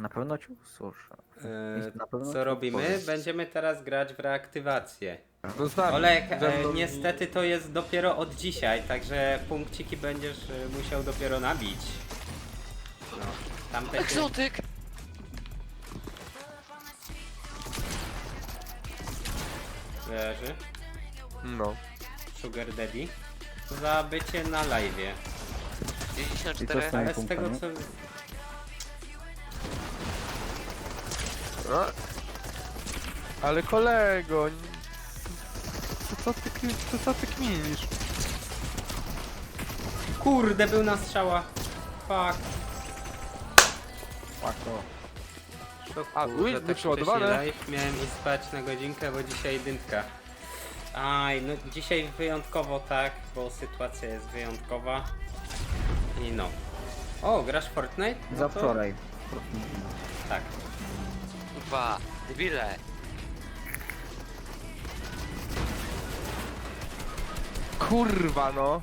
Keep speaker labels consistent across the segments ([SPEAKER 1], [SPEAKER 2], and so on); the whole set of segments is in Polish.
[SPEAKER 1] Na pewno cię usłyszę. Na pewno
[SPEAKER 2] Co
[SPEAKER 1] cię
[SPEAKER 2] robimy?
[SPEAKER 1] odpowiem.
[SPEAKER 2] Będziemy teraz grać w reaktywację.
[SPEAKER 3] No z nami.
[SPEAKER 2] Olek,
[SPEAKER 3] Ze mną-
[SPEAKER 2] niestety to jest dopiero od dzisiaj, także punkciki będziesz musiał dopiero nabić. No, tamte się...
[SPEAKER 4] Egzotyk!
[SPEAKER 2] Leży.
[SPEAKER 3] No.
[SPEAKER 2] Sugar Daddy. Za bycie na live'ie.
[SPEAKER 1] I co
[SPEAKER 4] 54.
[SPEAKER 1] z tymi
[SPEAKER 2] Ale z tego
[SPEAKER 1] punktami?
[SPEAKER 2] co...
[SPEAKER 3] A? Ale kolego... Co ty kminisz?
[SPEAKER 2] Kurde, był na strzała. Fuck.
[SPEAKER 1] Łatwo.
[SPEAKER 2] To
[SPEAKER 3] A,
[SPEAKER 2] kurde,
[SPEAKER 3] ui,
[SPEAKER 2] tak
[SPEAKER 3] nieprzeładowane.
[SPEAKER 2] wcześniej live. Miałem i spać na godzinkę, bo dzisiaj dyntka. Aj, no dzisiaj wyjątkowo tak, bo sytuacja jest wyjątkowa. I no. O, grasz w Fortnite? No
[SPEAKER 1] Za
[SPEAKER 2] to-
[SPEAKER 1] wczoraj.
[SPEAKER 2] Tak.
[SPEAKER 4] Kurwa, debile.
[SPEAKER 3] Kurwa no.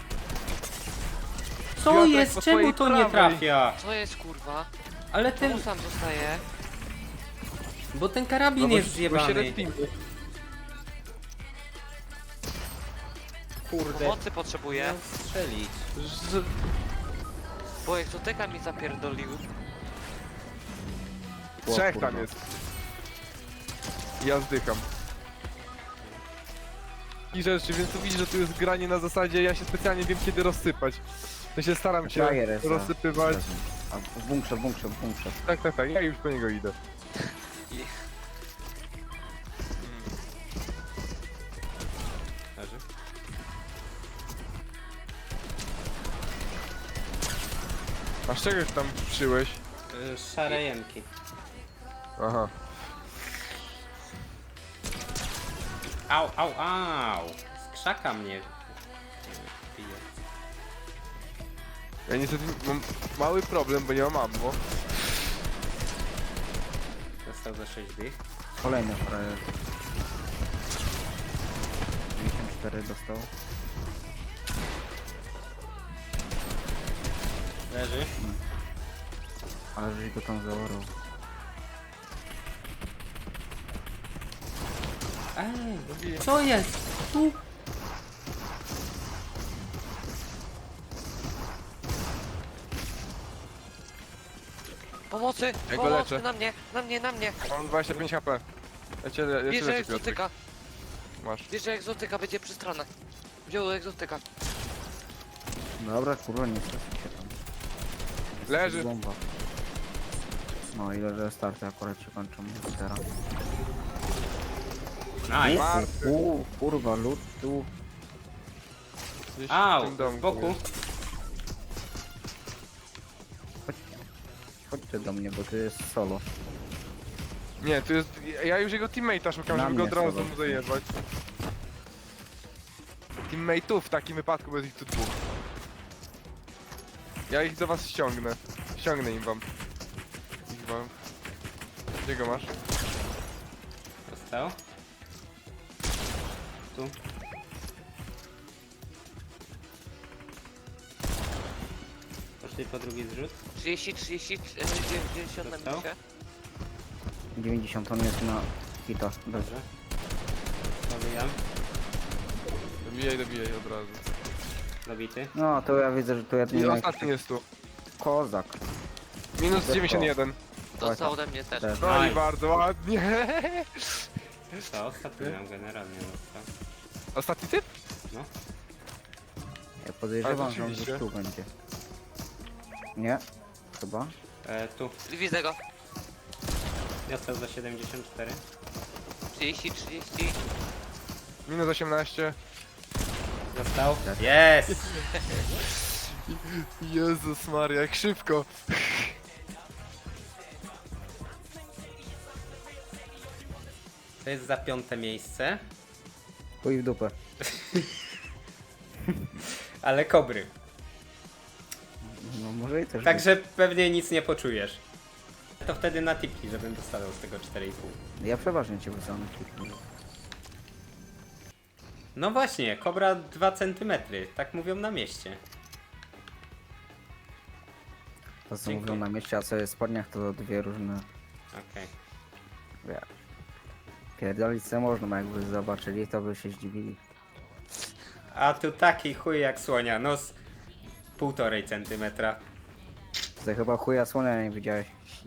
[SPEAKER 2] Co
[SPEAKER 3] Piotrek,
[SPEAKER 2] jest?
[SPEAKER 3] po
[SPEAKER 2] Czemu
[SPEAKER 3] twojej
[SPEAKER 2] to nie
[SPEAKER 3] prawej.
[SPEAKER 2] trafia?
[SPEAKER 4] Co jest kurwa?
[SPEAKER 2] Ale ten...
[SPEAKER 4] Czemu sam zostaje?
[SPEAKER 2] Bo ten karabin
[SPEAKER 3] bo
[SPEAKER 2] jest
[SPEAKER 3] się
[SPEAKER 2] zjebany.
[SPEAKER 3] respimy.
[SPEAKER 2] Kurde.
[SPEAKER 4] Pomocy potrzebuję,
[SPEAKER 2] Miał strzelić.
[SPEAKER 3] Że...
[SPEAKER 4] bo egzotyka mi zapierdolił.
[SPEAKER 3] Trzech
[SPEAKER 1] kurwa.
[SPEAKER 3] tam jest. Ja zdycham. I rzeczy, więc tu widzisz, że tu jest granie na zasadzie, ja się specjalnie wiem kiedy rozsypać. Ja się staram się
[SPEAKER 1] Frajer jest za-
[SPEAKER 3] rozsypywać.
[SPEAKER 1] A w bunkrze, w bunkrze, w bunkrze.
[SPEAKER 3] Tak, ja już po niego idę.
[SPEAKER 2] Leży.
[SPEAKER 3] A z czegoś tam przyłeś?
[SPEAKER 2] Szare jemki.
[SPEAKER 3] Aha.
[SPEAKER 2] Au, au, au! Z krzaka mnie bije.
[SPEAKER 3] Ja niestety mam mały problem, bo nie mam ammo.
[SPEAKER 2] Dostał za 6 dych.
[SPEAKER 1] Kolejny frajer. 94 dostał.
[SPEAKER 2] Leży.
[SPEAKER 1] Ale żeś go tam zaorał.
[SPEAKER 2] Ej, co jest? Tu?
[SPEAKER 4] Pomocy!
[SPEAKER 3] Ja go
[SPEAKER 4] Pomocy!
[SPEAKER 3] leczę.
[SPEAKER 4] Na mnie! Na mnie! Na mnie!
[SPEAKER 3] Mam 25 HP. Ja cię
[SPEAKER 4] Bierze
[SPEAKER 3] leczę, Piotrek.
[SPEAKER 4] egzotyka!
[SPEAKER 3] Masz.
[SPEAKER 4] Bierze egzotyka, będzie przy stronach. Wziął egzotyka.
[SPEAKER 1] Dobra, kurwa, nie stresuj się tam.
[SPEAKER 3] Leży.
[SPEAKER 1] Bomba. No i leży starty akurat się kończą teraz.
[SPEAKER 2] Nice.
[SPEAKER 3] Martwy.
[SPEAKER 1] Kurwa, lód tu.
[SPEAKER 3] Gdzieś w
[SPEAKER 2] Au,
[SPEAKER 3] tym domku
[SPEAKER 2] z boku.
[SPEAKER 3] jest.
[SPEAKER 1] Chodźcie do mnie, bo tu jest solo.
[SPEAKER 3] Nie, tu jest... Ja już jego teammate'a szukam,
[SPEAKER 1] Na
[SPEAKER 3] żeby go
[SPEAKER 1] mnie
[SPEAKER 3] od razu
[SPEAKER 1] solo.
[SPEAKER 3] mu zajebać. Teammate'ów w takim wypadku, bo jest ich tu dwóch. Ja ich do was ściągnę. Ściągnę im wam. Ich wam. Gdzie go masz?
[SPEAKER 2] Dostał. Tu. Poszli po drugi zrzut.
[SPEAKER 4] 30, 30, 90 na
[SPEAKER 2] Dostał?
[SPEAKER 4] minusie.
[SPEAKER 1] 90 on jest na hita.
[SPEAKER 2] Dobrze. Dobijam.
[SPEAKER 3] Dobijaj od razu.
[SPEAKER 2] Dobity.
[SPEAKER 1] No to ja widzę, że tu ja
[SPEAKER 3] I
[SPEAKER 1] nie
[SPEAKER 3] ostatni jest tu.
[SPEAKER 1] kozak.
[SPEAKER 3] Minus
[SPEAKER 1] Dostał.
[SPEAKER 3] 91.
[SPEAKER 4] Dostał ode mnie też.
[SPEAKER 1] Też.
[SPEAKER 3] No i
[SPEAKER 2] Nice.
[SPEAKER 3] bardzo ładnie.
[SPEAKER 2] To ostatni nam generalnie dostał.
[SPEAKER 3] Ostatni typ?
[SPEAKER 2] No.
[SPEAKER 1] Ja podejrzewam,
[SPEAKER 3] Ale
[SPEAKER 1] że on
[SPEAKER 3] rzeczywiście.
[SPEAKER 1] gdzieś tu będzie. Nie? Chyba?
[SPEAKER 2] Tu.
[SPEAKER 4] Widzę go.
[SPEAKER 2] Dostał za 74.
[SPEAKER 4] 30, 30.
[SPEAKER 3] Minus 18.
[SPEAKER 2] Dostał. Jest!
[SPEAKER 3] Jezus Maria, jak szybko.
[SPEAKER 2] To jest za 5. miejsce.
[SPEAKER 1] Chuj w dupę.
[SPEAKER 2] Ale kobry.
[SPEAKER 1] No może i też.
[SPEAKER 2] Także pewnie nic nie poczujesz. To wtedy na tipki, żebym dostawał z tego 4,5.
[SPEAKER 1] Ja przeważnie cię wrzucam na kliki.
[SPEAKER 2] No właśnie, kobra 2 cm. Tak mówią na mieście.
[SPEAKER 1] To co
[SPEAKER 2] Dziękuję.
[SPEAKER 1] mówią na mieście, a co jest w spodniach, to dwie różne...
[SPEAKER 2] Okej.
[SPEAKER 1] Wiesz. Pierdolić co można, bo jakby zobaczyli, to by się zdziwili.
[SPEAKER 2] A tu taki chuj jak słonia, no z 1,5 centymetra.
[SPEAKER 1] Ty chyba chuja słonia nie widziałeś.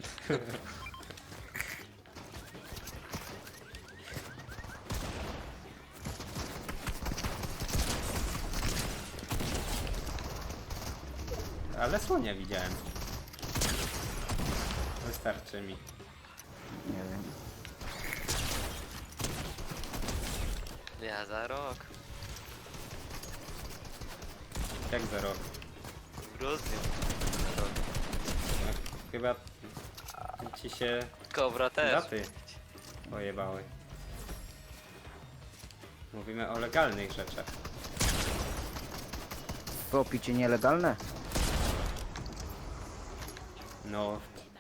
[SPEAKER 2] Ale słonia widziałem. Wystarczy mi.
[SPEAKER 1] Nie wiem.
[SPEAKER 4] Ja za rok.
[SPEAKER 2] Jak za rok.
[SPEAKER 4] W grudniu. Za rok.
[SPEAKER 2] Chyba ci się
[SPEAKER 4] Kobra też.
[SPEAKER 2] daty pojebały. Mówimy o legalnych rzeczach.
[SPEAKER 1] To picie nielegalne?
[SPEAKER 2] No,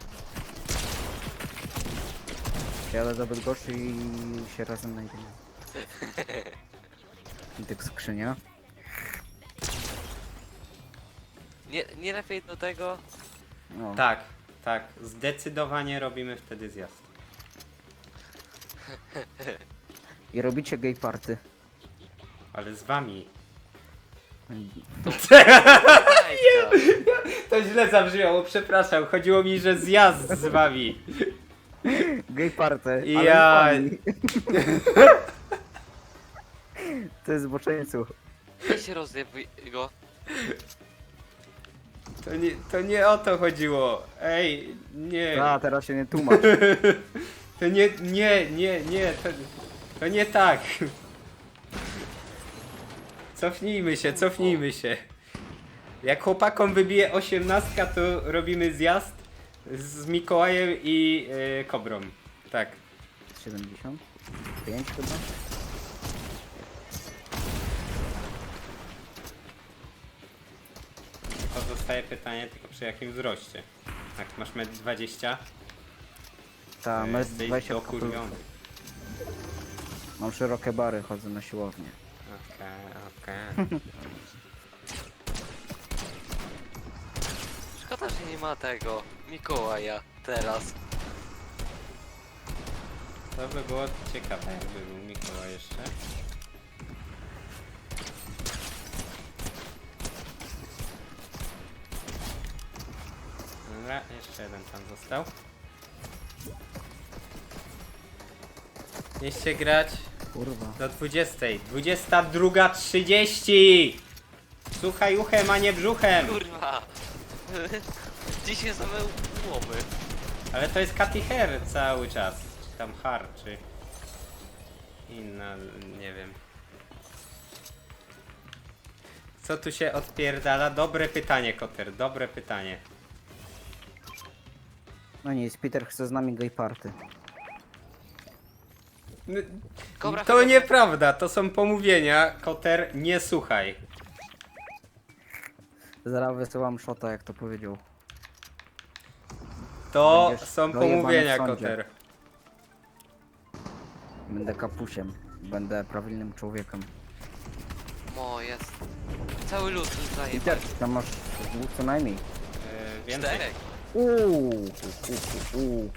[SPEAKER 1] Jadę do Bydgoszczy i się razem znajdziemy. I tak skrzynia.
[SPEAKER 4] Nie lepiej do tego.
[SPEAKER 1] No.
[SPEAKER 2] tak, tak. Zdecydowanie robimy wtedy zjazd.
[SPEAKER 1] I robicie gay party.
[SPEAKER 2] Ale z wami.
[SPEAKER 4] Majka.
[SPEAKER 2] To źle zabrzmiało, przepraszam. Chodziło mi, że zjazd z wami.
[SPEAKER 1] Gay party, ale
[SPEAKER 2] Ja-
[SPEAKER 1] z wami. To jest zboczeńców.
[SPEAKER 4] Weź się rozjebuj go.
[SPEAKER 2] To nie o to chodziło. Ej, nie.
[SPEAKER 1] A, teraz się nie tłumacz.
[SPEAKER 2] To nie, to nie tak. Cofnijmy się. Jak chłopakom wybije 18, to robimy zjazd z Mikołajem i Kobrą. Tak.
[SPEAKER 1] 75 chyba?
[SPEAKER 2] Pozostaje pytanie tylko przy jakim wzroście. Jak masz 1,20 m,
[SPEAKER 1] Ta,
[SPEAKER 2] to
[SPEAKER 1] my
[SPEAKER 2] jesteś
[SPEAKER 1] 20
[SPEAKER 2] dokurwiony.
[SPEAKER 1] Mam szerokie bary, chodzę na siłownię.
[SPEAKER 2] Okej.
[SPEAKER 4] Szkoda, że nie ma tego Mikołaja teraz.
[SPEAKER 2] To by było ciekawe, jakby był Mikołaj jeszcze. Dobra, jeszcze jeden tam został. Mieliście grać
[SPEAKER 1] Kurwa.
[SPEAKER 2] do 20. 22:30! Słuchaj uchem, a nie brzuchem!
[SPEAKER 4] Kurwa. Dzisiaj same ułomy.
[SPEAKER 2] Ale to jest Katy Hair cały czas. Czy tam Har, czy inna, nie wiem. Co tu się odpierdala? Dobre pytanie, Koter, dobre pytanie.
[SPEAKER 1] No nic, Peter chce z nami gay party.
[SPEAKER 4] Kobra
[SPEAKER 2] To
[SPEAKER 4] chyba-
[SPEAKER 2] nieprawda, to są pomówienia. Koter, nie słuchaj.
[SPEAKER 1] Zaraz wysyłam shota, jak to powiedział.
[SPEAKER 2] To
[SPEAKER 1] Będziesz
[SPEAKER 2] są
[SPEAKER 1] dojebany
[SPEAKER 2] pomówienia,
[SPEAKER 1] w sądzie.
[SPEAKER 2] Koter.
[SPEAKER 1] Będę kapusiem. Będę prawilnym człowiekiem.
[SPEAKER 4] O, jest. Cały lud
[SPEAKER 1] Peter,
[SPEAKER 4] zajebał.
[SPEAKER 1] tam masz dwóch co najmniej.
[SPEAKER 2] Więcej.
[SPEAKER 4] 4.
[SPEAKER 1] Uuu.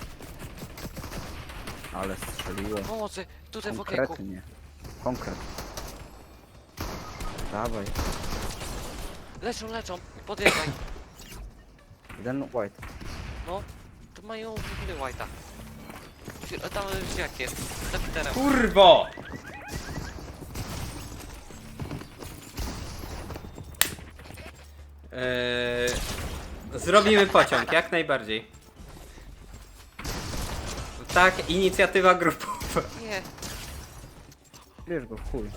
[SPEAKER 1] Ale strzeliłem.
[SPEAKER 4] Pomocy, tutaj w okienku.
[SPEAKER 1] Konkretnie. Konkret. Dawaj.
[SPEAKER 4] Leczą. Podjeżdżaj.
[SPEAKER 1] Jeden white.
[SPEAKER 4] No, to mają w ogóle white'a. Tam jak jest? Za Peterem.
[SPEAKER 2] Kurwo! Zrobimy pociąg, jak najbardziej. Tak, inicjatywa grupowa.
[SPEAKER 4] Nie.
[SPEAKER 1] Bierz go w chuj.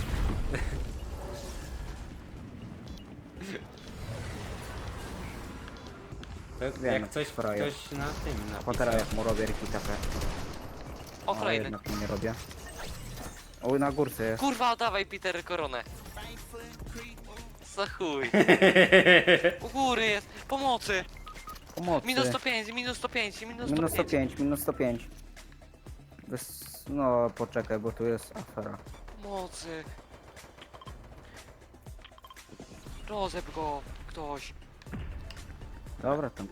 [SPEAKER 2] To
[SPEAKER 1] Wiem,
[SPEAKER 2] jak coś
[SPEAKER 1] frajer.
[SPEAKER 2] ktoś na tym
[SPEAKER 1] A potem
[SPEAKER 2] napisał.
[SPEAKER 1] jak mu robię riki takie.
[SPEAKER 4] O,
[SPEAKER 1] Ale
[SPEAKER 4] kolejny.
[SPEAKER 1] jednak mu nie robię. Oj, na górce jest.
[SPEAKER 4] Kurwa, dawaj Peter koronę. Za chuj. U góry jest. Pomocy.
[SPEAKER 1] Pomocy.
[SPEAKER 4] Minus 105, minus 105, minus 105.
[SPEAKER 1] Minus 105, minus 105. No, poczekaj, bo tu jest afera.
[SPEAKER 4] Pomocy. Rozep go ktoś.
[SPEAKER 1] Dobra tam.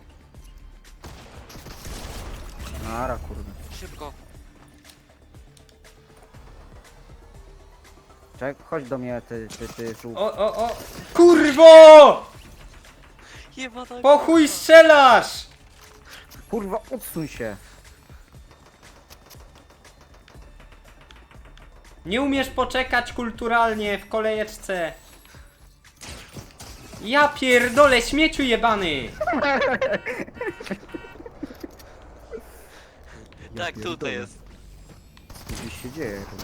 [SPEAKER 1] Nara, kurde.
[SPEAKER 4] Szybko.
[SPEAKER 1] Czek, chodź do mnie, ty żółw.
[SPEAKER 2] O! Kurwo!
[SPEAKER 4] Jebana.
[SPEAKER 2] Po chuj strzelasz!
[SPEAKER 1] Kurwa, odsuń się.
[SPEAKER 2] Nie umiesz poczekać kulturalnie w kolejeczce. Ja pierdolę, śmieciu jebany!
[SPEAKER 4] Tak,
[SPEAKER 1] pierdolę.
[SPEAKER 4] tutaj jest.
[SPEAKER 1] Co gdzieś się dzieje, kurwa.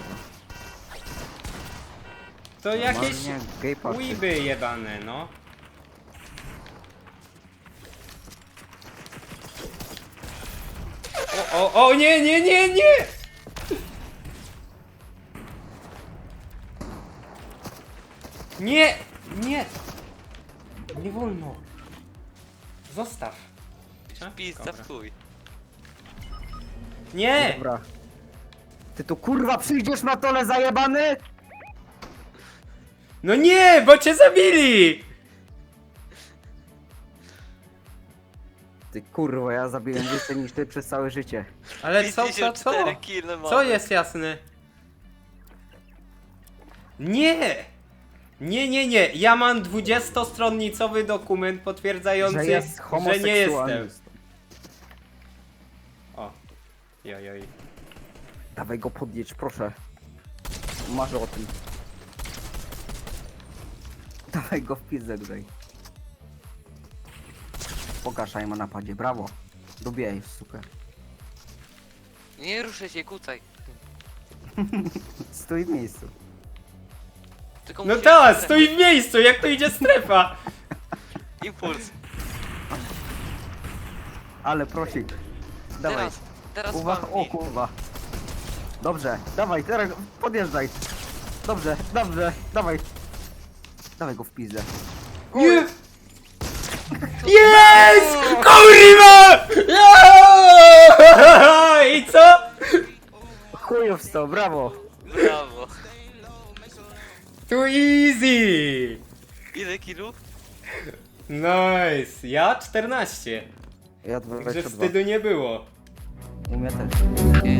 [SPEAKER 2] To jakieś
[SPEAKER 1] Normalnie gay party.
[SPEAKER 2] łyby jebane, no. O, nie! Nie! Nie wolno. Zostaw. A?
[SPEAKER 4] Pizza
[SPEAKER 2] Dobra.
[SPEAKER 4] w chuj.
[SPEAKER 2] Nie!
[SPEAKER 1] Dobra. Ty tu kurwa przyjdziesz na tole zajebany?
[SPEAKER 2] No nie, bo cię zabili!
[SPEAKER 1] Ty kurwa, ja zabiłem więcej niż ty przez całe życie.
[SPEAKER 2] Ale co?
[SPEAKER 4] 54 kile mamy.
[SPEAKER 2] Co jest jasne? Nie! Nie. Ja mam 20-stronnicowy dokument potwierdzający,
[SPEAKER 1] Że jest
[SPEAKER 2] że nie
[SPEAKER 1] homoseksualny.
[SPEAKER 2] jestem. O. Jojoj.
[SPEAKER 1] Dawaj go podjedź, proszę. Marzę o tym. Dawaj go w pizdę tutaj. Pokażaj ma napadzie, brawo. Dobijaj w sukę.
[SPEAKER 4] Nie ruszaj się, kucaj.
[SPEAKER 1] Stój w miejscu.
[SPEAKER 4] Tylko
[SPEAKER 2] No
[SPEAKER 4] musisz-
[SPEAKER 2] tak, stoi w miejscu, jak to idzie strefa.
[SPEAKER 4] Impuls.
[SPEAKER 1] Ale prosik. Dawaj.
[SPEAKER 4] Teraz
[SPEAKER 1] Uwaga, o
[SPEAKER 4] walnij.
[SPEAKER 1] kurwa. Dobrze, dawaj, teraz podjeżdżaj. Dobrze, dawaj. Dawaj go w pizdę.
[SPEAKER 2] Nie! Jest! Kurwa! Ja! I co?
[SPEAKER 1] Chujów sto, brawo.
[SPEAKER 4] Brawo.
[SPEAKER 2] Too easy!
[SPEAKER 4] Ile kilów?
[SPEAKER 2] Nice! Ja 14.
[SPEAKER 1] Ja
[SPEAKER 2] Także
[SPEAKER 1] 22.
[SPEAKER 2] wstydu nie było.
[SPEAKER 1] U mnie też.
[SPEAKER 4] Okej.